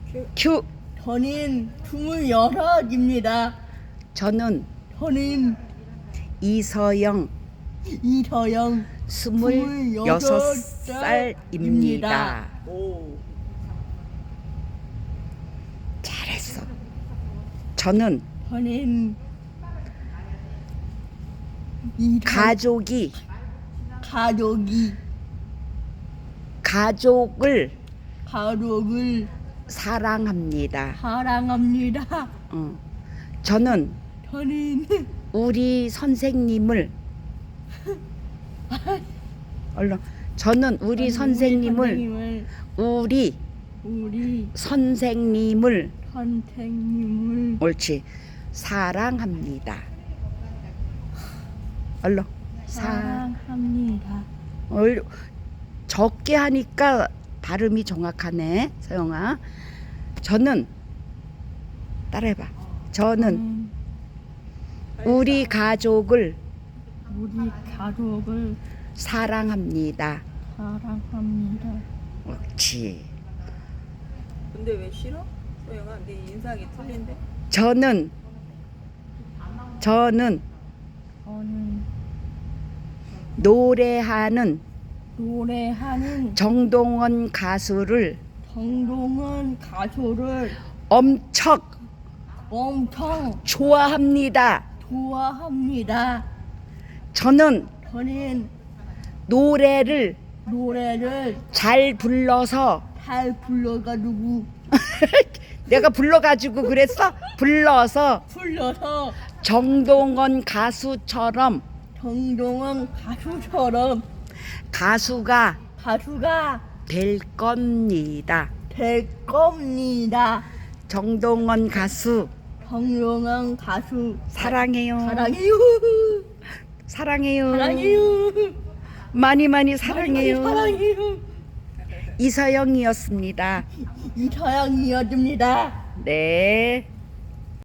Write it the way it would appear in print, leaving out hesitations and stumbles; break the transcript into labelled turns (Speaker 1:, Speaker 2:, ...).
Speaker 1: 큐.
Speaker 2: 저는 26입니다.
Speaker 1: 저는
Speaker 2: 저는
Speaker 1: 이서영
Speaker 2: 이서영
Speaker 1: 26살입니다.
Speaker 2: 오.
Speaker 1: 잘했어. 저는
Speaker 2: 저는
Speaker 1: 가족을 사랑합니다.
Speaker 2: 사랑합니다.
Speaker 1: 저는
Speaker 2: 저는
Speaker 1: 우리 선생님을 얼른 저는 우리 선생님을
Speaker 2: 우리
Speaker 1: 선생님을
Speaker 2: 선생님을
Speaker 1: 옳지 사랑합니다. 얼른
Speaker 2: 사랑합니다.
Speaker 1: 적게 하니까 발음이 정확하네 서영아. 저는 따라해봐. 저는 우리 가족을 사랑합니다.
Speaker 2: 사랑합니다.
Speaker 1: 옳지.
Speaker 3: 근데 왜 싫어? 소영아, 네 인상이 틀린데?
Speaker 1: 저는
Speaker 2: 저는
Speaker 1: 노래하는 정동원 가수를 엄청 좋아합니다. 저는 노래를 잘 불러서
Speaker 2: 잘 불러가지고
Speaker 1: 내가 불러가지고 그랬어? 불러서 정동원 가수처럼 가수가 될 겁니다.
Speaker 2: 될 겁니다.
Speaker 1: 정동원 가수
Speaker 2: 정동원 가수
Speaker 1: 사랑해요.
Speaker 2: 사랑해요.
Speaker 1: 많이 사랑해요.
Speaker 2: 사랑해요.
Speaker 1: 이서영이었습니다.
Speaker 2: 이서영이었습니다.
Speaker 1: 네.